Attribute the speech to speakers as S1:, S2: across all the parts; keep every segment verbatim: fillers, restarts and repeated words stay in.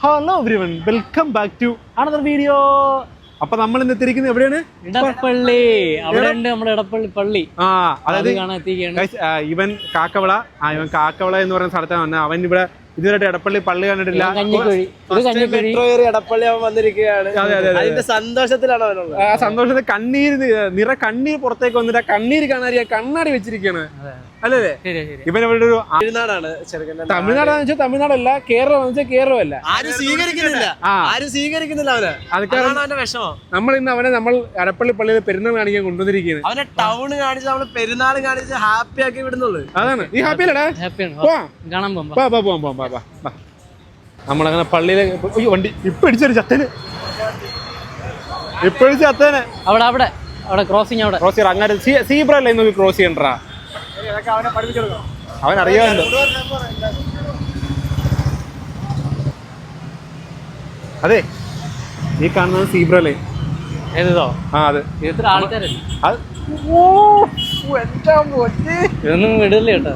S1: Hello everyone, welcome back to another video. അപ്പൊ നമ്മൾ ഇന്ന് എത്തിയിരിക്കുന്നത് എവിടെയാണ്?
S2: ഇടപ്പള്ളി. അവിടെ ഉണ്ട് നമ്മുടെ ഇടപ്പള്ളി പള്ളി.
S1: ആ അതായത് ഇവൻ കാക്കവള ആ ഇവൻ കാക്കവള എന്ന് പറയുന്ന സ്ഥലത്താണ് വന്നത്. അവൻ ഇവിടെ ഇതുവരെ ഇടപ്പള്ളി പള്ളി കണ്ടിട്ടില്ല.
S3: മെട്രോ ഏറി ഇടപ്പള്ളി അവൻ വന്നിരിക്കുകയാണ്. അതിന്റെ സന്തോഷത്തിലാണ് അവനുള്ളത്.
S1: ആ സന്തോഷത്തിൽ കണ്ണീര് നിറ കണ്ണീർ പുറത്തേക്ക് വന്നിട്ട് കണ്ണീര് കാണാൻ കണ്ണാടി വെച്ചിരിക്കുകയാണ് അല്ലേ? ഇവൻ ഇവിടെ ഒരു
S3: തമിഴ്നാടാണ്.
S1: തമിഴ്നാടാന്ന് വെച്ചാൽ തമിഴ്നാടല്ല, കേരളം വെച്ചാൽ കേരളമല്ല.
S3: ആരും സ്വീകരിക്കുന്നില്ല ആരും സ്വീകരിക്കുന്നില്ല അവന്.
S1: അതൊക്കെയാണ്
S3: അവന്റെ വിഷമം.
S1: നമ്മൾ ഇന്ന് അവനെ നമ്മൾ ഇടപ്പള്ളി പള്ളിയിൽ പെരുന്നാൾ കാണിക്കാൻ കൊണ്ടുവന്നിരിക്കുന്നത്.
S3: അവനെ ടൗൺ കാണിച്ച് നമ്മള് പെരുന്നാൾ കാണിച്ച് ഹാപ്പി ആക്കി വിടുന്നുള്ളൂ.
S1: അതാണ് നീ ഹാപ്പി അല്ലടാ? നമ്മളങ്ങനെ പള്ളിയിലെ വണ്ടി ഇപ്പൊ അടിച്ചൊരു ചത്തന് ഇപ്പൊ അടിച്ച ചത്തന്
S2: അവിടെ അവിടെ അവിടെ ക്രോസിങ് അവിടെ
S1: ക്രോസ് ചെയ്യണം. അങ്ങനെ സീബ്ര അല്ലേ നോക്കി ക്രോസ് ചെയ്യണ്ടാ. അവൻ അറിയാമല്ലോ. അതെ ഈ കാണുന്നത് സീബ്ര ലൈൻ.
S2: ഏതോ
S1: ആ അതെ.
S2: എത്ര ആൾക്കാരല്ലേ
S1: അത്
S2: ഇതൊന്നും വിടില്ല കേട്ടോ.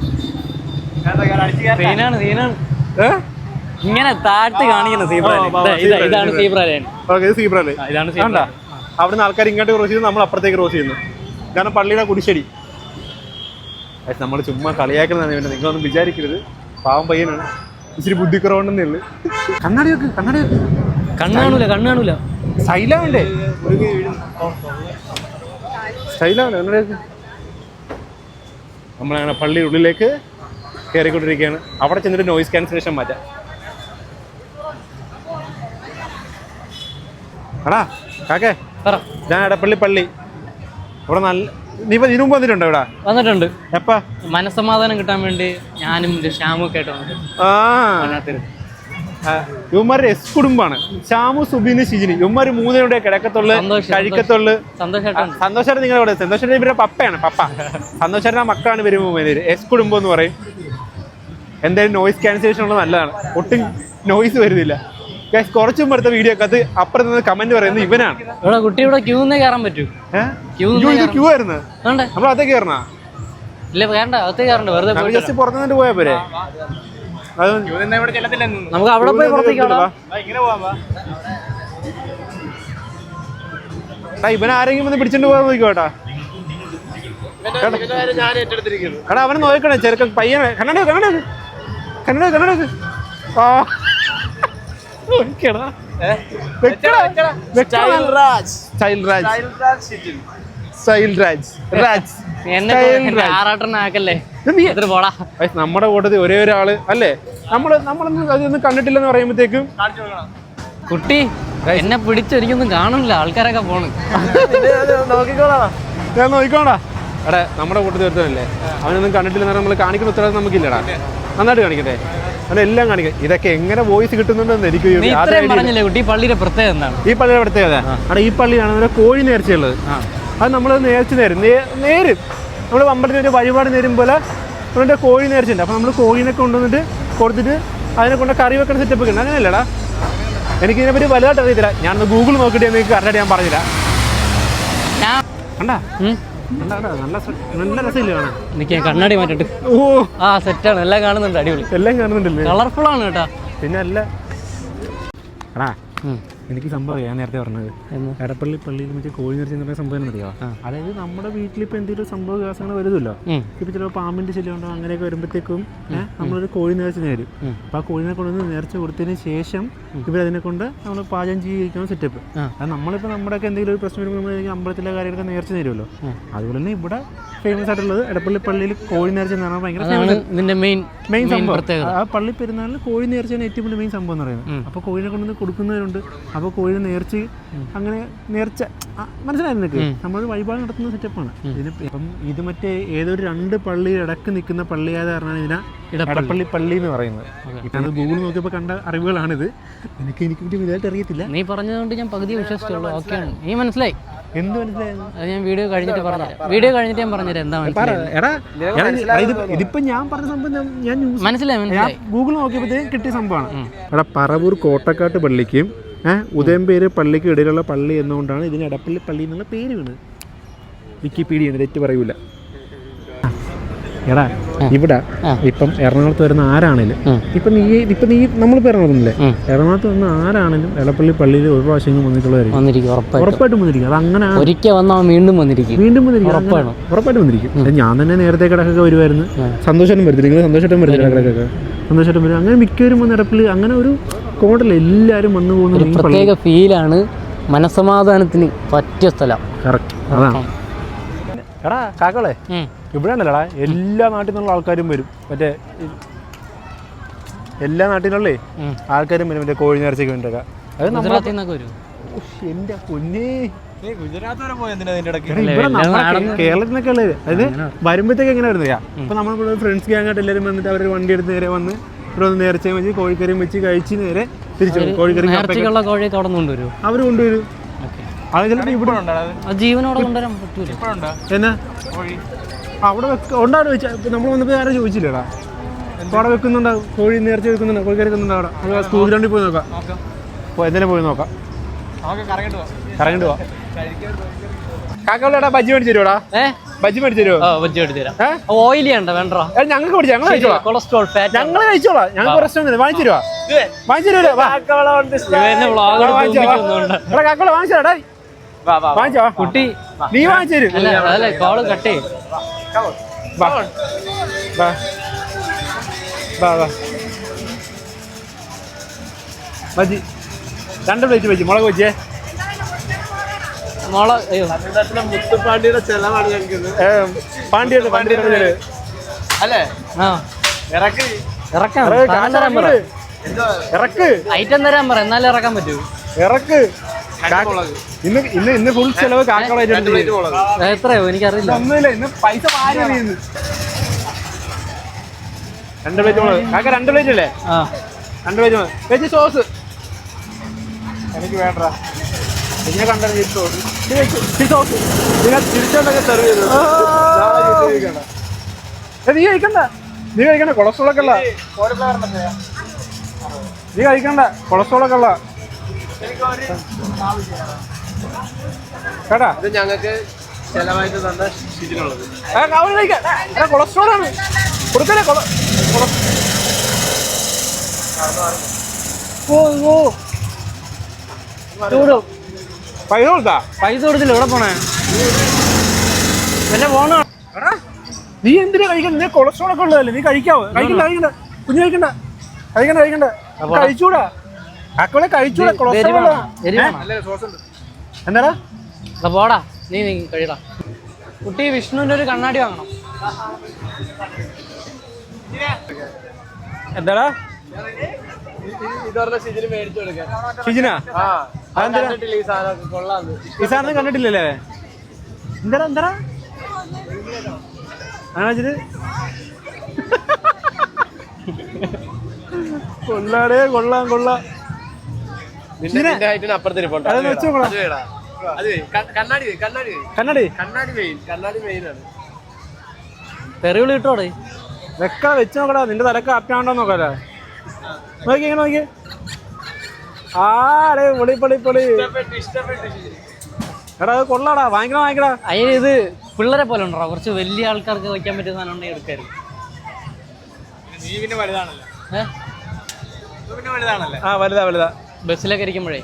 S2: സീനാണ് സീനാണ് ഇങ്ങനെ താഴ്ത്തി കാണിക്കുന്ന സീബ്ര. ഇതാണ് സീബ്ര ലൈൻ.
S1: സീബ്ര ലൈൻ
S2: ഇതാണ് സീബ്ര.
S1: അവിടുന്ന് ആൾക്കാർ ഇങ്ങോട്ട് ക്രോസ് ചെയ്യുന്നു, നമ്മൾ അപ്പുറത്തേക്ക് ക്രോസ് ചെയ്യുന്നു. കാരണം പള്ളിയുടെ കുടിശ്ശേരി. നമ്മൾ ചുമ്മാ കളിയാക്കുന്നതാണ് ഇവനെ. നിങ്ങളൊന്നും വിചാരിക്കരുത്, പാവം പയ്യനാണ്, ഇച്ചിരി ബുദ്ധിക്കുറവുണ്ടെന്നേ ഉള്ളു. കണ്ണാടി വെക്ക് കണ്ണാടി വെക്ക്.
S2: കണ്ണ് കാണൂല കണ്ണ് കാണൂല
S1: സ്റ്റൈലാവണ്ടേ? സ്റ്റൈലാവണ്ടേ? കണ്ണാടി വെക്ക്. നമ്മളങ്ങനെ പള്ളിയുടെ ഉള്ളിലേക്ക് കയറിക്കൊണ്ടിരിക്കുകയാണ്. അവിടെ ചെന്നിട്ട് നോയിസ് ക്യാൻസലേഷൻ മാറ്റാം. എടാ കാക്കേ, ഞാൻ ഇടപ്പള്ളി പള്ളി ഇവിടെ നല്ല നീ ഇതിനു മുമ്പ് വന്നിട്ടുണ്ടോ? ഇവിടെ
S2: വന്നിട്ടുണ്ട്.
S1: എപ്പാ?
S2: മനസ്സമാധാനം കിട്ടാൻ വേണ്ടി ഞാനും ശ്യാമും ഒക്കെ ആയിട്ട്
S1: ആ ഇവന്മാരുടെ എസ് കുടുംബാണ്. ശ്യാമു, സുബിന്, ഷിജിനി. ഇവന്മാര് മൂന്നിനുടെ കിടക്കത്തുള്ളു കഴിക്കത്തുള്ളു.
S2: സന്തോഷമായിട്ടാണ്.
S1: സന്തോഷേട്ടൻ നിങ്ങളുടെ സന്തോഷേട്ടൻ ഇവരുടെ പപ്പയാണ്. പപ്പ സന്തോഷേട്ടൻ മക്കളാണ് വരുമ്പോൾ എസ് കുടുംബം എന്ന് പറയും. എന്തായാലും നോയിസ് ക്യാൻസലേഷൻ ഉള്ളത് നല്ലതാണ്. ഒട്ടും നോയിസ് വരുന്നില്ല. കുറച്ചു മുമ്പ് എടുത്ത വീഡിയോ ഒക്കെ അത് അപ്പുറത്ത് നിന്ന് കമന്റ് പറയുന്നത് ഇവനാണ്.
S2: ഇവിടെ കുട്ടി ഇവിടെ ക്യൂ കയറാൻ പറ്റൂ.
S1: ക്യൂ ആയിരുന്നു. നമ്മൾ അകത്തേക്ക് കയറണ
S2: ഇല്ല വേണ്ട, അകത്തേക്ക് കയറണ്ട. വെറുതെ
S1: ജസ്റ്റ് പുറത്തു നിന്നിട്ട് പോയാ പോരെ.
S2: നമുക്ക് അവിടെ പോയി പുറത്തേക്ക്
S1: ഇവൻ ആരെങ്കിലും വന്ന് പിടിച്ചോണ്ട് പോകാൻ നോക്കിക്കോട്ടാ. എടാ അവനെ നോക്കണേ ചെറുക്കൻ പയ്യനെ. കണ്ണട കണ്ണട കണ്ണട കണ്ണട ആ നമ്മുടെ കൂട്ടത്തിൽ ഒരേ ഒരാള് അല്ലേ? നമ്മള് നമ്മളൊന്നും അതൊന്നും കണ്ടിട്ടില്ലെന്ന് പറയുമ്പോഴത്തേക്കും
S2: കുട്ടി എന്നെ പിടിച്ചൊരിക്കൊന്നും കാണില്ല. ആൾക്കാരൊക്കെ പോണ്.
S1: ഞാൻ നോക്കിക്കോടാ. എടാ നമ്മുടെ കൂട്ടത്തിൽ ഒരുത്തനല്ലേ, അവനൊന്നും കണ്ടിട്ടില്ലെന്ന് നമ്മൾ കാണിക്കുന്ന ഉത്തരവാദിത്വം നമുക്കില്ലടാ. നന്നായിട്ട് കാണിക്കട്ടെ, അവനെല്ലാം കാണിക്കാം. ഇതൊക്കെ എങ്ങനെ വോയിസ് കിട്ടുന്നുണ്ടെന്ന് എനിക്ക്
S2: പറഞ്ഞില്ലേ കുട്ടി. പള്ളിയുടെ പ്രത്യേകത എന്താണ്?
S1: ഈ പള്ളിയുടെ പ്രത്യേകത അവിടെ ഈ പള്ളിയാണ് കോഴി നേർച്ചയുള്ളത്. അത് നമ്മൾ നേർച്ച നേരും നേരും നമ്മൾ അമ്പലത്തിൽ ഒരു വഴിപാട് നേരും പോലെ നമ്മുടെ കോഴി നേർച്ചയുണ്ട്. അപ്പം നമ്മൾ കോഴിനെ കൊണ്ടുവന്നിട്ട് കൊടുത്തിട്ട് അതിനെ കൊണ്ട് കറി വെക്കുന്ന സെറ്റപ്പ് ഉണ്ട്. അങ്ങനെയല്ലടാ, എനിക്കിതിനെപ്പറ്റി വലുതായിട്ട് അറിയത്തില്ല. ഞാനൊന്ന് ഗൂഗിൾ നോക്കിയിട്ട് എനിക്ക് കറക്റ്റായിട്ട് ഞാൻ പറഞ്ഞില്ല. കണ്ടാ നല്ല നല്ല രസമില്ല കാണാൻ.
S2: എനിക്ക് കണ്ണാടി മാറ്റിട്ട്
S1: ഓ
S2: ആ സെറ്റാണ്. എല്ലാം കാണുന്നുണ്ട്. അടിപൊളി.
S1: എല്ലാം കാണുന്നുണ്ടല്ലേ?
S2: കളർഫുൾ ആണ് കേട്ടാ.
S1: പിന്നെ അല്ല എടാ എനിക്ക് സംഭവം ഞാൻ നേരത്തെ പറഞ്ഞത് എടപ്പള്ളി പള്ളിയിൽ വെച്ച് കോഴി നേർച്ച എന്ന് പറയുന്ന സംഭവം അറിയാം. അതായത് നമ്മുടെ വീട്ടിലിപ്പോൾ എന്തെങ്കിലും സംഭവ വികാസങ്ങൾ വരുമല്ലോ. ഇപ്പൊ ചിലപ്പോൾ പാമ്പിന്റെ ശല്യം ഉണ്ടോ അങ്ങനെയൊക്കെ വരുമ്പോഴത്തേക്കും നമ്മളൊരു കോഴി നേർച്ച നേരും. അപ്പൊ ആ കോഴിനെ കൊണ്ടുവന്ന് നേർച്ച കൊടുത്തതിന് ശേഷം ഇവരതിനെ കൊണ്ട് നമ്മൾ പാചകം ചെയ്യിക്കുന്ന സെറ്റപ്പ്. അത് നമ്മളിപ്പോൾ നമ്മുടെയൊക്കെ എന്തെങ്കിലും ഒരു പ്രശ്നം വരുമ്പോൾ നമ്മൾ അമ്പലത്തിലെ കാര്യങ്ങളൊക്കെ നേർച്ച നേരുമല്ലോ. അതുപോലെ തന്നെ ഇവിടെ ഫേമസ് ആയിട്ടുള്ളത് എടപ്പള്ളി പള്ളിയിൽ കോഴി നേർച്ച എന്ന് പറഞ്ഞാൽ ഭയങ്കര മെയിൻ മെയിൻ സംഭവം. ആ പള്ളി പെരുന്നാളിൽ കോഴി നേർച്ചയാണ് ഏറ്റവും വലിയ മെയിൻ സംഭവം എന്ന് പറയുന്നത്. അപ്പോൾ കോഴിനെ കൊണ്ടുവന്ന് കൊടുക്കുന്നവരുണ്ട്. അപ്പോൾ കോഴിനെ നേർച്ച അങ്ങനെ നേർച്ച മനസ്സിലായിരുന്നു. നമ്മൾ വഴിപാട് നടത്തുന്ന സെറ്റപ്പാണ് ഇതിന്. ഇപ്പം ഇത് മറ്റേ ഏതൊരു രണ്ട് പള്ളി ഇടക്ക് നിൽക്കുന്ന പള്ളിയായത് കാരണമാണ് ഇതിനെ എടപ്പള്ളി പള്ളി എന്ന് പറയുന്നത്. അത് ഗൂഗിൾ നോക്കിയപ്പോൾ കണ്ട അറിവുകളാണിത്. എനിക്ക് എനിക്ക് വലുതായിട്ട് അറിയത്തില്ല.
S2: നീ പറഞ്ഞതുകൊണ്ട് ഞാൻ പകുതി വിശ്വസിച്ചുള്ളൂ. ഓക്കെയാണ്. നീ മനസ്സിലായി?
S1: എന്ത് മനസ്സിലായിരുന്നു?
S2: അത് ഞാൻ വീഡിയോ കഴിഞ്ഞിട്ട് പറഞ്ഞുതരാം. വീഡിയോ കഴിഞ്ഞിട്ട് ഞാൻ പറഞ്ഞുതരാം എന്താ
S1: ഇതിപ്പോ ഞാൻ പറഞ്ഞ സംഭവം ഞാൻ
S2: മനസ്സിലായി മനസ്സിലായി
S1: ഗൂഗിൾ നോക്കിയപ്പോഴത്തേക്കും കിട്ടിയ സംഭവമാണ്. എടാ പറവൂർ കോട്ടക്കാട്ട് പള്ളിക്കും ഉദയംപേര് പള്ളിക്കും ഇടയിലുള്ള പള്ളി എന്നുകൊണ്ടാണ് ഇതിന് എടപ്പള്ളി പള്ളി എന്നുള്ള പേര് വീണത്. വിക്കിപീഡിയ തെറ്റ് പറയൂല. എടാ ഇവിടെ ഇപ്പം എറണാകുളത്ത് വരുന്ന ആരാണേലും ഇപ്പം നീ ഇപ്പം നീ നമ്മളിപ്പോൾ എറണാകുളത്തില്ലേ എറണാകുളത്ത് വന്ന ആരാണേലും എടപ്പള്ളി പള്ളിയിൽ ഒരു പ്രാവശ്യം വന്നിട്ടുള്ളവരായിരിക്കും ഉറപ്പായിട്ടും വന്നിരിക്കും. അത് അങ്ങനെ
S2: ഒരിക്കൽ വന്നാൽ വീണ്ടും വന്നിരിക്കും
S1: വീണ്ടും വന്നിരിക്കും ഉറപ്പായിട്ടും വന്നിരിക്കും. ഞാൻ തന്നെ നേരത്തെ കിടക്കൊക്കെ വരുമായിരുന്നു. സന്തോഷം വരുത്തില്ല, നിങ്ങൾ സന്തോഷമായിട്ടും വരുത്തില്ല കിടക്കൊക്കെ സന്തോഷമായിട്ടും വരും. അങ്ങനെ മിക്കവരും വന്ന് എടപ്പള്ളി അങ്ങനെ ഒരു കോടല്ല, എല്ലാവരും വന്നു പോകുന്ന
S2: പ്രത്യേക ഫീലാണ്. മനസ്സമാധാനത്തിന് പറ്റിയ സ്ഥലം.
S1: കറക്റ്റ് അതാണ്. എടാ കാക്കളെ ഇവിടെ ഉണ്ടല്ലോടാ എല്ലാ നാട്ടിൽ നിന്നുള്ള ആൾക്കാരും വരും. മറ്റേ എല്ലാ നാട്ടിൽ നിന്നുള്ളേ ആൾക്കാരും വരും മറ്റേ കോഴി നേർച്ചയ്ക്ക് വേണ്ടിയൊക്കെ. അത് എന്റെ പൊന്നേ ഇവിടെ നമ്മുടെ കേരളത്തിൽ നിന്നൊക്കെ ഉള്ളത്. അതായത് വരുമ്പോഴത്തേക്ക് എങ്ങനെ വരുന്നതാ, ഇപ്പൊ നമ്മളിവിടെ ഫ്രണ്ട്സ് ഗ്യാങ്ങായിട്ട് എല്ലാവരും വന്നിട്ട് അവർ വണ്ടി എടുത്ത് നേരെ വന്ന് ഇവിടെ ഒന്ന് നേർച്ചയും വെച്ച് കോഴിക്കറിയും വെച്ച് കഴിച്ച് നേരെ തിരിച്ചു കോഴിക്കറി അവർ കൊണ്ടുവരും. അത് ചിലപ്പോൾ ഇവിടെ
S2: ജീവനോടെ കൊണ്ടുവരാൻ പറ്റൂല.
S1: എന്നാ അവിടെ ഉണ്ടാവും വെച്ചാൽ നമ്മൾ വന്നപ്പോൾ ആരും ചോദിച്ചില്ലടാ. അപ്പോൾ അവിടെ വെക്കുന്നുണ്ടാവും, കോഴി നേർച്ച വെക്കുന്നുണ്ടോ, കോഴിക്കറി വെക്കുന്നുണ്ടോ അവിടെ. നമുക്ക് സ്കൂൾ ഗ്രൗണ്ടിൽ പോയി നോക്കാം. അപ്പോൾ എന്തായാലും പോയി നോക്കാം, കറങ്ങിട്ട് പോവാം. കാക്കോളടാ ബജ്ജി മേടിച്ചു തരുവാടാ. ബജ്ജി മേടിച്ചു തരുമോ? ബജ്ജി മേടിച്ചു തരാം. ഓയിലി ഉണ്ടോ? വേണ്ട, ഞങ്ങൾക്ക് മേടിച്ചു, ഞങ്ങൾ കഴിച്ചോളാം. കൊളസ്ട്രോൾ ഫാറ്റ് ഞങ്ങൾ കഴിച്ചോളാം. ഞങ്ങൾക്ക് പ്രശ്നമൊന്നുമില്ല. വാങ്ങിച്ചു തരുവാ, വാങ്ങിച്ചു തരുമോ? കാക്കോള വാങ്ങിച്ചു തരാടാ. വാങ്ങിച്ചോ കുട്ടി, നീ വാങ്ങിച്ചു തരും.
S2: കോള് കട്ടേ
S1: ബജ്ജി രണ്ട് പ്ലേറ്റ് വെച്ച് മുളക് വെച്ചേ.
S3: മുത്തുപാണ്ടിയുടെ ചെലവാണ് ഞങ്ങൾക്ക്.
S1: പാണ്ടിയുടെ പാണ്ടിയുടെ
S3: അല്ലേ? ഇറക്ക്
S2: ഇറക്കാം,
S1: ഇറക്ക്
S2: ഐറ്റം തരാൻ പറ, എന്നാലേ ഇറക്കാൻ പറ്റൂ.
S1: ഇറക്ക്. ഇന്ന് ഇന്ന് ഇന്ന് ഫുൾ ചെലവ് കാക്കോള.
S2: എത്രയോ എനിക്കറിയില്ല.
S1: ഒന്നുമില്ല, ഇന്ന് പൈസ മാറി. രണ്ട് പ്ലേറ്റ് മുളക് കാക്ക, രണ്ട് പ്ലേറ്റ് അല്ലേ? രണ്ട് പ്ലേറ്റ് മുളക് വെച്ച് സോസ് എനിക്ക് വേണ്ട. പിന്നെ കണ്ട സോസ് നിങ്ങൾ തിരിച്ചോണ്ടൊക്കെ സെർവ് ചെയ്തു. നീ കഴിക്കണ്ട, നീ കഴിക്കണ്ട, കൊളസ്ട്രോൾ ഒക്കെ ഉള്ള. നീ കഴിക്കണ്ട, കൊളസ്ട്രോൾ ഒക്കെ ഉള്ള കേട്ടാ.
S3: ഇത് ഞങ്ങൾക്ക് ചെലവായിട്ട് തന്ന ഷിജിനുള്ളത്.
S1: കൊളസ്ട്രോൾ ആണ് കൊടുക്കലേ. പൈസ കൊടുത്താ?
S2: പൈസ കൊടുത്തില്ല. എവിടെ പോണേ? പിന്നെ പോണോ?
S1: നീ എന്തിനാ കഴിക്കണ്ട? നീ കൊളസ്ട്രോൾ ഒക്കെ ഉള്ളതല്ലേ, നീ കഴിക്കാവോ? കഴിക്കണ്ട, കഴിക്കണ്ട, കുഞ്ഞു കഴിക്കണ്ട, കഴിക്കണ്ട, കഴിക്കണ്ട, കഴിച്ചൂടാ. കാക്കോളെ കഴിച്ചൂടാ, കൊളസ്ട്രോൾ. എന്താടാ
S2: പോടാ, നീ നീ കഴിയടാ. കുട്ടി വിഷ്ണുവിന്റെ ഒരു കണ്ണാടി വാങ്ങണം.
S1: എന്താടാ
S3: ഷിജിന് മേടിച്ചു കൊടുക്കാൻ.
S1: ഷിജിനാ? ഈ സാധനം കണ്ടിട്ടില്ലല്ലേ? എന്താടാ എന്താടാ അങ്ങനെ വെച്ചിട്ട് കൊള്ളാടേ, കൊള്ളാം കൊള്ളാം.
S2: തെറിവിളി കിട്ടോടെ
S1: വെക്ക വെച്ച് നോക്കടാ, നിന്റെ തലക്ക് അപ്പാണ്ടോ നോക്കാല്ലേ. നോക്കി നോക്കി. ആടേ പൊളി പൊളി പൊളി. എടാ അത് കൊള്ളാടാ, വാങ്ങിക്കണ വാങ്ങിക്കടാ.
S2: അതിന് ഇത് പിള്ളേരെ പോലെ ഉണ്ടോ? കുറച്ച് വലിയ ആൾക്കാർക്ക് വയ്ക്കാൻ പറ്റിയ സാധനം ഉണ്ടെങ്കിൽ എടുക്കാറ്.
S1: നീ പിന്നെ വലുതാണല്ലോ. ഏഹ് പിന്നെ വലുതാണല്ലേ? ആ വലുതാ വലുതാ.
S2: ബസ്സിലൊക്കെ ഇരിക്കുമ്പോഴേ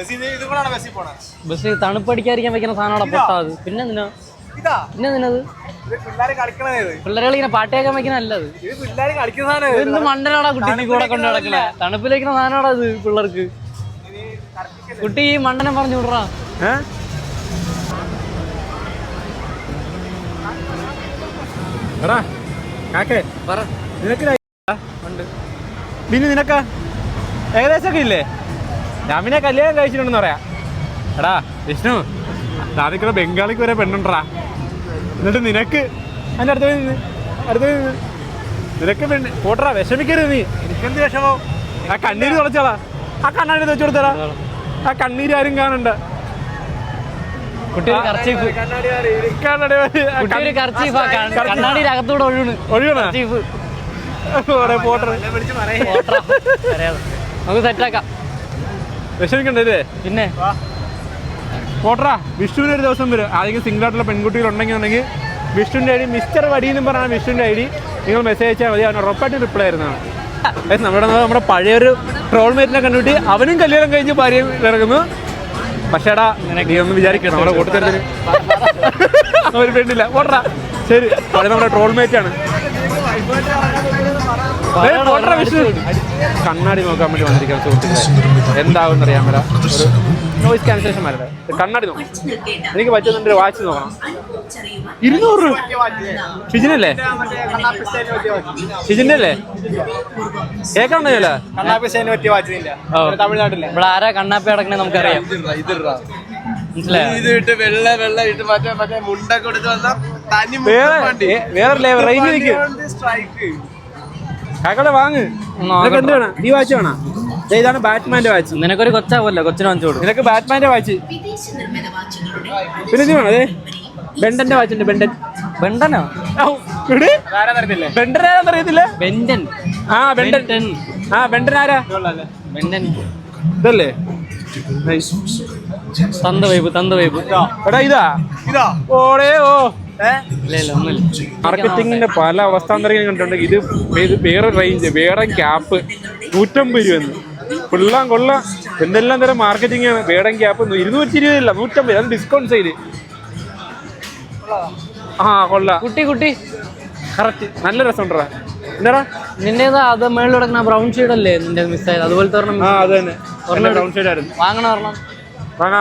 S2: ബസ് തണുപ്പടിക്കാതിരിക്കാൻ വെക്കുന്ന സാധനം പൊട്ടാത്. പിന്നെ എന്തിനാ പിന്നെ എന്തിനത്? പിള്ളേരെ കളിക്കുന്ന പാട്ട് കേൾക്കാൻ വെക്കുന്ന അല്ലത്. എന്ത് മണ്ടനാടാ കുട്ടി കൂടെ കൊണ്ട് നടക്കണേ? തണുപ്പിൽ വെക്കുന്ന സാധനമാടാ ഇത് പിള്ളേർക്ക്. കുട്ടി ഈ മണ്ടനെ പറഞ്ഞു വിടറാ.
S1: പിന്നെ നിനക്കാ ഏകദേശമൊക്കെ ഇല്ലേ? ഞാൻ പിന്നെ കല്യാണം കഴിച്ചിട്ടുണ്ടെന്ന് പറയാം. എടാ വിഷ്ണു, നാദിക്കുള്ള ബംഗാളിക്ക് വരെ പെണ്ണുണ്ടാ. എന്നിട്ട് നിനക്ക് അതിൻ്റെ അടുത്ത നിന്ന് അടുത്ത നിന്ന് നിനക്ക് പെണ്ണ് പോട്ടറാ. വിഷമിക്കരുത് നീ. എനിക്കെന്ത് വിഷമോ? ആ കണ്ണീര് തുളച്ചോളാ. ആ കണ്ണാടി വെച്ചു കൊടുത്തടാ. ആ കണ്ണീര് ആരും കാണണ്ട. വിഷമിക്കണ്ടേ? പിന്നെ പോട്ടറാ. വിഷുവിന് ഒരു ദിവസം വരും. ആരെങ്കിലും സിംഗിൾ ആയിട്ടുള്ള പെൺകുട്ടികൾ ഉണ്ടെങ്കിൽ ഉണ്ടെങ്കിൽ വിഷ്ണുവിൻ്റെ ഐ ഡി മിസ്റ്റർ വടി എന്നും പറഞ്ഞാൽ വിഷ്ണുവിൻ്റെ ഐ ഡി നിങ്ങൾ മെസ്സേജ് അയച്ചാൽ മതി. അവൻ ഉറപ്പായിട്ട് റിപ്ലൈ ആയിരുന്നതാണ്. നമ്മുടെ നമ്മുടെ പഴയൊരു ട്രോൾ മേറ്റിനെ കണ്ടുപിട്ടി അവനും കല്യാണം കഴിഞ്ഞ് ഭാര്യ ഇറങ്ങുന്നു. പക്ഷേ എടാ നീ ഒന്ന് വിചാരിക്കണം നമ്മുടെ കൂട്ടത്തിൽ ഒരു പെണ്ണില്ല ഓട്ടറാ. ശരി, പഴയ നമ്മുടെ ട്രോൾ മേറ്റാണ്. വിഷ്ണു കണ്ണാടി നോക്കാൻ വേണ്ടി വന്നിരിക്കാൻ സുഹൃത്തുക്കളെ, എന്താവും അറിയാൻ വരാം. ഒരു നോയിസ് ക്യാൻസലേഷൻ വരട്ടെ. കണ്ണാടി നോക്കാം. എനിക്ക് പറ്റുന്നുണ്ട് ഒരു വാച്ച് നോക്കണം. ഇരുന്നൂറ് രൂപ ഷിജിനല്ലേ? ഷിജിന്റെ അല്ലേ? കേൾക്കണ്ടല്ലോ
S3: തമിഴ്നാട്ടിലെ
S2: ഇവിടെ ആരാ കണ്ണാപ്പി അടക്കണേ നമുക്കറിയാം.
S3: വെള്ള വെള്ള ഇട്ട് മറ്റേ മറ്റേ മുണ്ടൊക്കെ കൊടുത്ത് വന്ന തനി
S1: വേറെ റേഞ്ച് നിൽക്കും. കാക്കളെ വാങ്ങ്. എന്ത് വേണം? ഈ വാച്ച് വേണം. ഇതാണ് ബാറ്റ്മാന്റെ വാച്ച്.
S2: നിനക്കൊരു കൊച്ചാവല്ലോ, കൊച്ചിന് വാങ്ങിച്ചു കൊടുക്കും.
S1: നിനക്ക് ബാറ്റ്മാന്റെ വാച്ച്. പിന്നെ ഇത് വേണം. അതെ ബെണ്ടന്റെ വാച്ച് ഉണ്ട്. ബെണ്ടൻ
S2: ബെണ്ടനോ?
S1: ബെണ്ടൻ ആരാന്ന് അറിയത്തില്ല.
S2: ബെൻഡൻ.
S1: ആ ബെണ്ടൻ. ആ ബെണ്ടൻ ആരാ?
S2: ബെൻഡൻ
S1: ഇതല്ലേ?
S2: തന്ത വൈബ് തന്ത വൈബ്.
S1: എടാ ഇതാ ഇതാ ഓടേ ഓ
S2: ഒന്നുമില്ല.
S1: മാർക്കറ്റിങ്ങിന്റെ പല അവസ്ഥാന്തരങ്ങൾ കണ്ടിട്ടുണ്ട്. ഇത് ഇത് വേറെ റേഞ്ച്, വേറെ ക്യാപ്പ് നൂറ്റമ്പത് രൂപ. കൊള്ളാം കൊള്ളാം. എന്തെല്ലാം തരം മാർക്കറ്റിംഗ് ആണ്. വേടൻ ക്യാപ്പ് ഇരുന്നൂറ്റി ഇരുപതില്ല നൂറ്റമ്പത്. അത് ഡിസ്കൗണ്ട് സൈഡ്. ആ കൊള്ളാം.
S2: കുട്ടി കുട്ടി
S1: കറക്റ്റ്. നല്ല രസമുണ്ടാ. എന്താടാ
S2: നിന്റേതാ അത് മേളിൽ കിടക്കുന്ന ബ്രൗൺ ഷെയ്ഡ് അല്ലേ നിന്റെ മിസ്സായത്? അതുപോലത്തെ ഒരെണ്ണം.
S1: ആ അത് തന്നെ ബ്രൗൺ ഷെയ്ഡ് ആയിരുന്നു.
S2: വാങ്ങണം ഒരെണ്ണം.
S1: വാങ്ങാ.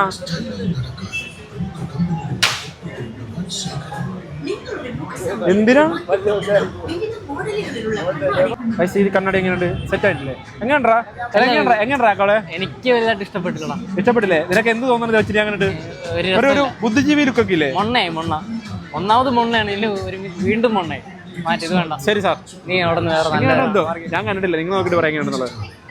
S1: എന്തിനാ പൈസ? ഇത് കണ്ണാടി എങ്ങനെയുണ്ട്? സെറ്റ് ആയിട്ടില്ലേ? എങ്ങനെയാ എങ്ങനെയാ കോളെ?
S2: എനിക്ക് വലുതായിട്ട് ഇഷ്ടപ്പെട്ടില്ല.
S1: ഇഷ്ടപ്പെട്ടില്ലേ? നിനക്ക് എന്ത് തോന്നുന്നത് വെച്ചിട്ട് അങ്ങോട്ട് ഒരു ഒരു ബുദ്ധിജീവി ലുക്കൊക്കെ ഇല്ലേ?
S2: മൊണ്ണേ മൊണ്ണ. ഒന്നാമത് മൊണ്ണയാണ്. ഇതിന് ഒരു വീണ്ടും മൊണ്ണേ. മാറ്റി ഇത് വേണ്ട.
S1: ശരി സാർ.
S2: നീ അവിടെ നിന്ന് വേറെ
S1: എന്തോ ഞാൻ കണ്ടിട്ടില്ല. നിങ്ങൾ നോക്കിട്ട് പറയാൻ എങ്ങനെയാണെന്നുള്ളത്.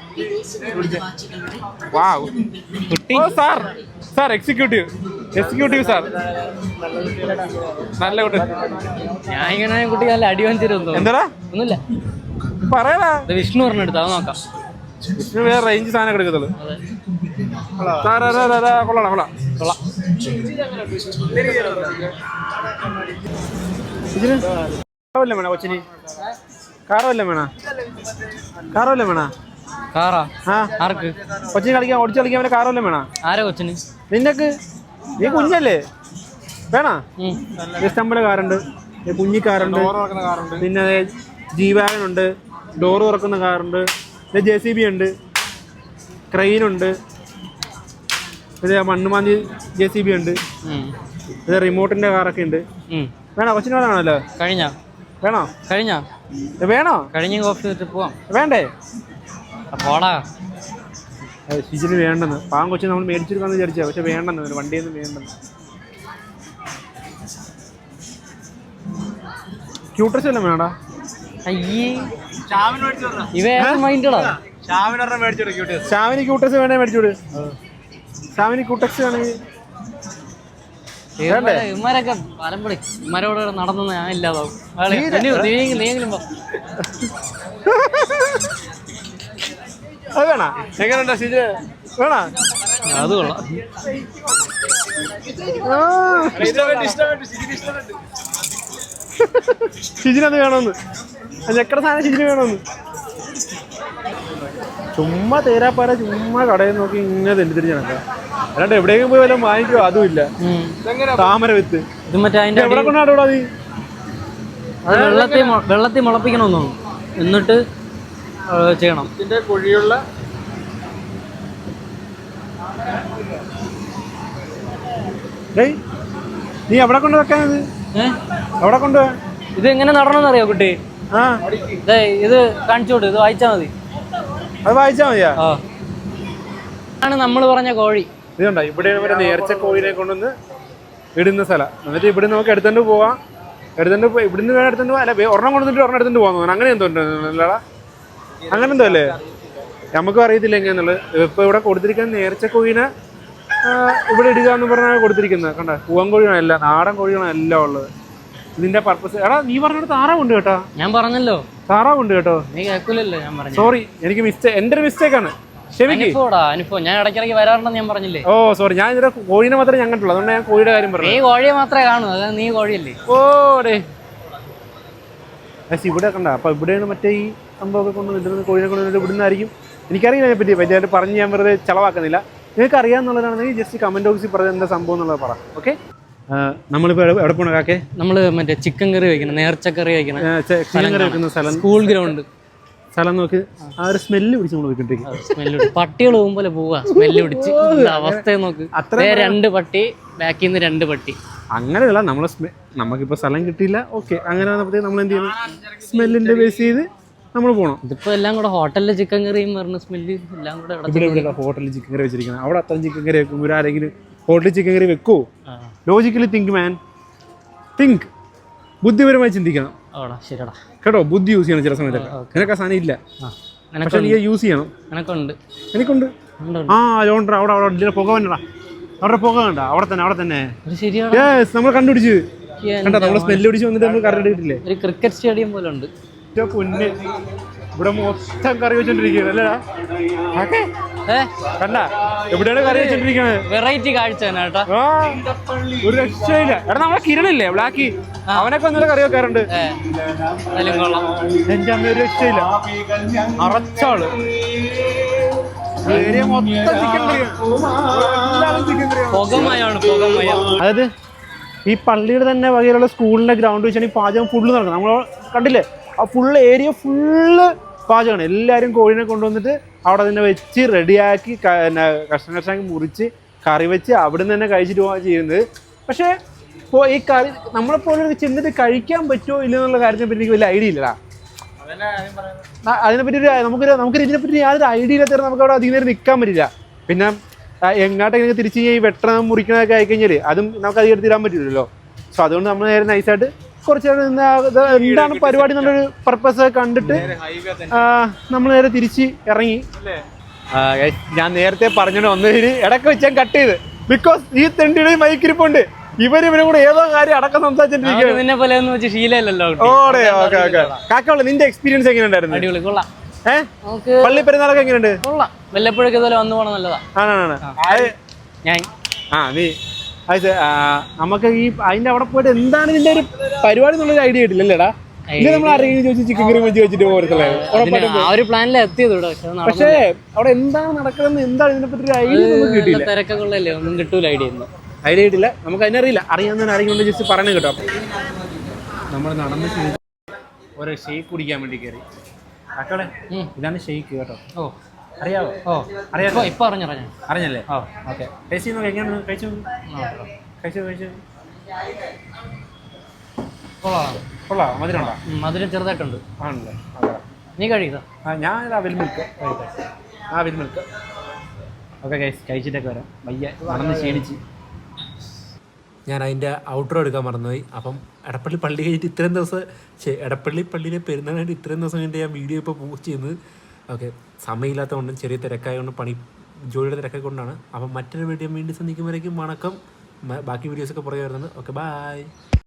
S1: വാവ് കുട്ടി. Sir sir executive executive sir നല്ല കുട്ടി.
S2: ഞാൻ ഇങ്ങനെ കുട്ടി നല്ല അടി വാങ്ങിച്ചിരുന്നു.
S1: എന്താടാ?
S2: ഒന്നുമില്ല
S1: പറയാ.
S2: വിഷ്ണു പറഞ്ഞെടുത്ത് അത് നോക്കാം.
S1: വിഷ്ണു വേറെ റേഞ്ച് സാധനം എടുക്കത്തുള്ളൂ. കൊള്ളാം കൊള്ളാം കൊള്ളാം. കാറല്ലേ വേണ കൊച്ചിന്? കാറല്ലേ വേണ? കാറല്ലേ വേണ?
S2: കാറാ?
S1: ആ
S2: ആർക്ക്?
S1: കൊച്ചിന് കളിക്കാൻ ഓടിച്ച് കളിക്കാൻ വേണ്ടി കാറല്ലേ വേണ?
S2: ആരാ കൊച്ചിന്?
S1: നിനക്ക്. നീ കുഞ്ഞല്ലേ? വേണ? ഇഷ്ടംപോലെ കാറുണ്ട്. കുഞ്ഞിക്കാറുണ്ട്, പിന്നെ ജീവാനുണ്ട്, ഡോറ് തുറക്കുന്ന കാറുണ്ട്, പിന്നെ ജെ സി ബി ഉണ്ട്, ക്രെയിനുണ്ട്, പിന്നെ മണ്ണുമാന്തി ജെ സി ബി ഉണ്ട്, പിന്നെ റിമോട്ടിന്റെ കാറൊക്കെ ഉണ്ട്. വേണോ? കൊച്ചിന് വേണമല്ലോ.
S2: കഴിഞ്ഞ
S1: വേണോ?
S2: കഴിഞ്ഞ
S1: വേണോ?
S2: കഴിഞ്ഞ കോഫി വെച്ച് പോവാം.
S1: വേണ്ടേ?
S2: പോടാ.
S1: ഷിജിന് വേണ്ടെന്ന്. പാവം കൊച്ചിന് നമ്മൾ മേടിച്ചെടുക്കാന്ന് വിചാരിച്ചാ, പക്ഷെ വേണ്ടെന്ന്. വണ്ടിയൊന്നും വേണ്ടെന്ന്. ക്യൂട്ടർസ് വല്ലതും വേണടാ?
S2: അയ്യേ ഇവ മൈൻഡടാ.
S1: ഷാവിന് ക്യൂട്ടക്സ് വേണേ മേടിച്ചോട്. ഷാവിന് ക്യൂട്ടക്സ് വേണമെങ്കിൽ
S2: ഇമാരൊക്കെ പലപ്പോഴും ഇമാരോട് നടന്നു ഞാൻ ഇല്ലാതാവും. നീയെങ്കിലും
S1: അത് വേണ? എങ്ങനെയുണ്ടോ ഷിജ്? വേണ?
S2: അത് കൊള്ളാം.
S1: ഷിജിനത് വേണമെന്ന്. ഞെക്കട സാധനം ഷിജിന് വേണമെന്ന്. ചുമ്മാ തേരാപ്പാര ചുമ്മാ കടയിൽ നോക്കി ഇങ്ങനെ തെറ്റിദ്ധരിച്ച് നടക്കാം. അല്ലാണ്ട് എവിടെയെങ്കിലും പോയി വല്ലതും വാങ്ങിക്കോ? അതുമില്ല. താമര വിത്ത് എവിടെ കൊണ്ടാടോടാ നീ?
S2: അത് വെള്ളത്തിൽ വെള്ളത്തിൽ മുളപ്പിക്കണമെന്നു എന്നിട്ട് ചെയ്യണം.
S1: ഇതിന്റെ കുഴിയുള്ള നീ എവിടെ കൊണ്ട് വെക്കാനത്? എവിടെ കൊണ്ടുപോവാ?
S2: ഇത് എങ്ങനെ നടണമെന്നറിയോ കുട്ടി?
S1: ആ
S2: ഇത് കാണിച്ചോട്ട്. ഇത് വായിച്ചാ മതി.
S1: അത് വായിച്ചാ മതിയാ?
S2: ആണ് നമ്മൾ പറഞ്ഞ കോഴി.
S1: ഇതുണ്ടോ? ഇവിടെ ഒരു നേർച്ച കോഴിനെ കൊണ്ടുവന്ന് ഇടുന്ന സ്ഥലം. എന്നിട്ട് ഇവിടെ നമുക്ക് എടുത്തോണ്ട് പോവാം. എടുത്തോണ്ട് പോയി ഇവിടുന്ന് വേണം എടുത്തോണ്ട് പോവാം. അല്ല ഒരെണ്ണം കൊണ്ടുവന്നിട്ട് ഒരെണ്ണം എടുത്തോണ്ട് പോകാൻ. അങ്ങനെ എന്തോ ഉണ്ടല്ലോടാ? അങ്ങനെ എന്തോ അല്ലേ? നമുക്കും അറിയത്തില്ല എങ്ങനെയാന്നുള്ളത്. ഇപ്പൊ ഇവിടെ കൊടുത്തിരിക്കുന്ന നേർച്ച കോഴിനെ ഇവിടെ ഇടുക എന്ന് പറഞ്ഞാൽ കൊടുത്തിരിക്കുന്നത്. കണ്ട പൂവൻ കോഴിയാണ് എല്ലാം, നാടൻ കോഴിയാണ് എല്ലാം ഉള്ളത്. ഇതിന്റെ പർപ്പസ് എടാ നീ പറഞ്ഞിട്ട് താറാവുണ്ട് കേട്ടോ.
S2: ഞാൻ പറഞ്ഞല്ലോ
S1: താറാവുണ്ട് കേട്ടോ.
S2: നീ കേൾക്കൂലല്ലോ ഞാൻ പറഞ്ഞു.
S1: സോറി, എനിക്ക് മിസ്റ്റേക്ക്, എൻ്റെ ഒരു മിസ്റ്റേക്ക് ആണ്. ക്ഷമിക്ക്.
S2: അനുഭവടാ അനുഭവം. ഞാൻ ഇടയ്ക്കിടയ്ക്ക് വരാറുണ്ടെന്ന് ഞാൻ പറഞ്ഞില്ലേ.
S1: ഓ സോറി, ഞാൻ ഇതിന്റെ കോഴിനെ മാത്രമേ ഞാൻ കണ്ടുള്ളൂ, അതുകൊണ്ട് ഞാൻ കോഴിയുടെ കാര്യം
S2: നീ
S1: പറഞ്ഞു.
S2: കോഴിയെ മാത്രമേ കാണൂ, അത് നീ കോഴിയല്ലേ.
S1: ഓടേ ഇവിടെ കണ്ട. അപ്പൊ ഇവിടെയാണ് മറ്റേ ഈ സംഭവമൊക്കെ കൊണ്ട് ഇതിൽ കോഴിനെ കൊണ്ട് ഇവിടുന്നായിരിക്കും. എനിക്കറിയില്ല അതിനെ പറ്റി പറ്റിയായിട്ട് പറഞ്ഞ് ഞാൻ വെറുതെ ചിലവാക്കുന്നില്ല. നിങ്ങൾക്ക് അറിയാമെന്നുള്ളതാണെങ്കിൽ ജസ്റ്റ് കമന്റ് ബോക്സിൽ പറഞ്ഞ എന്താ സംഭവം എന്നുള്ളത് പറ. ഓക്കെ, നമ്മളിപ്പോ എവിടെ പോണ കാക്കെ?
S2: നമ്മള് മറ്റേ ചിക്കൻ കറി വെക്കണം, നേർച്ചക്കറി വെക്കണം,
S1: ചിക്കൻ കറി വെക്കുന്ന സ്ഥലം,
S2: സ്കൂൾ ഗ്രൗണ്ട്
S1: സ്ഥലം നോക്കി ആ ഒരു സ്മെല്ല് പിടിച്ച് നമ്മൾ പോയിക്കൊണ്ടിരിക്കും.
S2: സ്മെല്ല് പട്ടികൾ പോകുമ്പോലെ പോവാ, സ്മെല്ല് പിടിച്ച് അവസ്ഥയെ നോക്ക്. രണ്ട് പട്ടി, ബാക്കിൽ നിന്ന് രണ്ട് പട്ടി.
S1: അങ്ങനെയല്ല, നമ്മളെ നമുക്കിപ്പോൾ സ്ഥലം കിട്ടിയില്ല, ഓക്കെ, അങ്ങനെ വന്നപ്പോഴത്തേക്ക് നമ്മൾ എന്ത് ചെയ്യണം, സ്മെല്ലിന്റെ ബേസ് ചെയ്ത് നമ്മൾ പോകണം.
S2: ഇതിപ്പോ എല്ലാം കൂടെ ഹോട്ടലിലെ ചിക്കൻ കറിയും പറഞ്ഞ സ്മെല്ല് എല്ലാം കൂടെ
S1: ഇവിടെ ഇവിടെ ഹോട്ടലിൽ ചിക്കൻ കറി വെച്ചിരിക്കണം. അവിടെ അത്രയും ചിക്കൻ കറി വെക്കും, ഒരു ആരെങ്കിലും ഹോട്ടലിൽ ചിക്കൻ കറി വെക്കുമോ? ലോജിക്കലി തിങ്ക് മാൻ, തിങ്ക്, ബുദ്ധിപരമായി ചിന്തിക്കണം കേട്ടോ. ബുദ്ധി യൂസ് ചെയ്യണം ചില സമയത്തൊക്കെ. നിനക്ക് ആ സാധനം ഇല്ല, പക്ഷെ നീ യൂസ് ചെയ്യണം.
S2: എനക്കുണ്ട്
S1: എനിക്കുണ്ട്. ആ ലോണ്ട അവിടെ അവിടെ ഇതിലെ പുക വന്നടാ, അവിടെ പുക കണ്ട, അവിടെ തന്നെ അവിടെ തന്നെ നമ്മൾ കണ്ടുപിടിച്ച് കണ്ടോ, നമ്മൾ സ്മെല്ല് പിടിച്ച് വന്നിട്ട് നമ്മൾ കറി എടുത്തിട്ടില്ലേ.
S2: ഒരു ക്രിക്കറ്റ് സ്റ്റേഡിയം പോലെ ഉണ്ട്.
S1: പൊന്ന് ഇവിടെ മൊത്തം കറി വെച്ചോണ്ടിരിക്കുകയാണ് അല്ലേടാ കണ്ട, എവിടെയാണ് കറി വെച്ചോണ്ടിരിക്കുന്നത്.
S2: വെറൈറ്റി കാഴ്ച കേട്ടോ,
S1: ഒരു രക്ഷയില്ല. എടാ നമ്മളെ കിരണില്ലേ ബ്ലാക്കി, അവനൊക്കെ ഒന്നുകൂടെ കറി വെക്കാറുണ്ട്. എന്റെ അമ്മ ഒരു രക്ഷയില്ല, അറച്ചാള് ഏരിയ മൊത്തം ചിക്കൻ കറിയാണ്. അതായത് ഈ പള്ളിയുടെ തന്നെ വകയിലുള്ള സ്കൂളിന്റെ ഗ്രൗണ്ട് വെച്ചാണ് ഈ പാചകം ഫുള്ള് നടക്കുന്നത്. നമ്മൾ കണ്ടില്ലേ, ആ ഫുള്ള് ഏരിയ ഫുള്ള് പാചകമാണ്. എല്ലാവരും കോഴിനെ കൊണ്ടുവന്നിട്ട് അവിടെ തന്നെ വെച്ച് റെഡിയാക്കി കഷ്ണം കഷ്ണാക്കി മുറിച്ച് കറി വെച്ച് അവിടെ നിന്ന് തന്നെ കഴിച്ചിട്ട് പോകാൻ ചെയ്യുന്നത്. പക്ഷേ ഇപ്പോൾ ഈ കറി നമ്മളെപ്പോലെ ചെന്നിട്ട് കഴിക്കാൻ പറ്റുമോ ഇല്ലെന്നുള്ള കാര്യത്തിനെ പറ്റി എനിക്ക് വലിയ ഐഡിയ ഇല്ലടാ. അതിനെപ്പറ്റി ഒരു നമുക്കൊരു നമുക്കൊരു ഇതിനെപ്പറ്റി യാതൊരു ഐഡിയ ഇല്ലാത്ത നമുക്ക് അവിടെ അധികം നേരം നിൽക്കാൻ പറ്റില്ല. പിന്നെ എങ്ങോട്ടെങ്കിലും തിരിച്ച് ഈ വെട്ടണം മുറിക്കണമൊക്കെ ആയിക്കഴിഞ്ഞാൽ അതും നമുക്ക് അധികം എടുത്തിടാൻ പറ്റില്ലല്ലോ. സോ അതുകൊണ്ട് നമ്മൾ നേരെ നൈസായിട്ട് കുറച്ച് എന്താണ് പരിപാടി എന്നുള്ളൊരു പർപ്പസ് കണ്ടിട്ട് നമ്മൾ നേരെ തിരിച്ച് ഇറങ്ങി. ഞാൻ നേരത്തെ പറഞ്ഞിട്ട് ഒന്നതിന് ഇടയ്ക്ക് വെച്ച് ഞാൻ കട്ട് ചെയ്ത്, ബിക്കോസ് ഈ തെണ്ടിയുടെ മൈക്കിരിപ്പുണ്ട്, ഇവര് ഇവരും കൂടെ ഏതോ കാര്യം അടക്കം സംസാരിച്ചിട്ടിരിക്കുകയാണ്. ഓടെ ഓക്കെ ഓക്കെ കാക്കുള്ള നിന്റെ എക്സ്പീരിയൻസ് എങ്ങനെ ഉണ്ടായിരുന്നു? ഏഹ് പള്ളി പെരുന്നാളൊക്കെ എങ്ങനെയുണ്ട്?
S2: വല്ലപ്പോഴൊക്കെ വന്നു പോകണം നല്ലതാ.
S1: ആണാണ് ആ നീ അത് നമുക്ക് ഈ അതിന്റെ അവിടെ പോയിട്ട് എന്താണ് ഇതിന്റെ ഒരു പരിപാടി എന്നുള്ളൊരു ഐഡിയ കിട്ടില്ലല്ലേടാ. ഇത് നമ്മൾ ആരെങ്കിലും ചോദിച്ചു ചിക്കൻ കറി വെച്ച് വെച്ചിട്ട് പോകത്തില്ലേ. പക്ഷേ അവിടെ എന്താണ് നടക്കുന്നത്, എന്താണ് ഇതിനെ പറ്റി ഒരു ഐഡിയ നമുക്ക് കിട്ടിയില്ല.
S2: തിരക്കൊള്ളല്ലേ, ഒന്നും കിട്ടൂല ഐഡിയ.
S1: ഐഡിയ കിട്ടില്ല, നമുക്ക് അതിനറിയില്ല. അറിയാവുന്ന ആരെങ്കിലും ജസ്റ്റ് പറഞ്ഞു കേട്ടോ. നമ്മൾ നടന്ന് ഓരോ ഷെയ്ക്ക് കുടിക്കാൻ വേണ്ടി കയറി. അക്കളെ ഇതാണ് ഷെയ്ക്ക് കേട്ടോ. ഓ അറിയാവോ? ഓ അറിയാമോ?
S2: ഇപ്പൊ അറിഞ്ഞു
S1: അറിഞ്ഞല്ലേ? ഓ ഓക്കെ. ടേസ്റ്റ് നോക്കി എങ്ങനെയാണ്? കഴിച്ചു കഴിച്ചു കഴിച്ചു കൊള്ളാം. മധുരം ഉണ്ടോ?
S2: മധുരം ചെറുതായിട്ടുണ്ട്.
S1: ആണല്ലേ?
S2: നീ കഴിക്കുക.
S1: ആ ഞാൻ ആ വിൽ മിൽക്ക് ആ വിൽ മിൽക്ക് ഓക്കെ ഗൈസ്, കഴിച്ചിട്ടൊക്കെ വരാം. വയ്യ, നടന്ന് ക്ഷീണിച്ച്. ഞാൻ അതിൻ്റെ ഔട്ട്റോ എടുക്കാൻ മറന്നുപോയി. അപ്പം എടപ്പള്ളി പള്ളി കഴിഞ്ഞിട്ട് ഇത്രയും ദിവസം എടപ്പള്ളി പള്ളിയിലെ പെരുന്നാളായിട്ട് ഇത്രയും ദിവസം കഴിഞ്ഞിട്ട് ഞാൻ വീഡിയോ ഇപ്പോൾ പോസ്റ്റ് ചെയ്യുന്നത്. ഓക്കെ, സമയമില്ലാത്തതുകൊണ്ടും ചെറിയ തിരക്കായതുകൊണ്ടും പണി ജോലിയുടെ തിരക്കൊക്കെ കൊണ്ടാണ്. അപ്പം മറ്റൊരു വീഡിയോ വീണ്ടും സന്ധിക്കുമ്പോഴേക്കും വണക്കം. ബാക്കി വീഡിയോസൊക്കെ പുറകെ വരുന്നത്. Okay, by.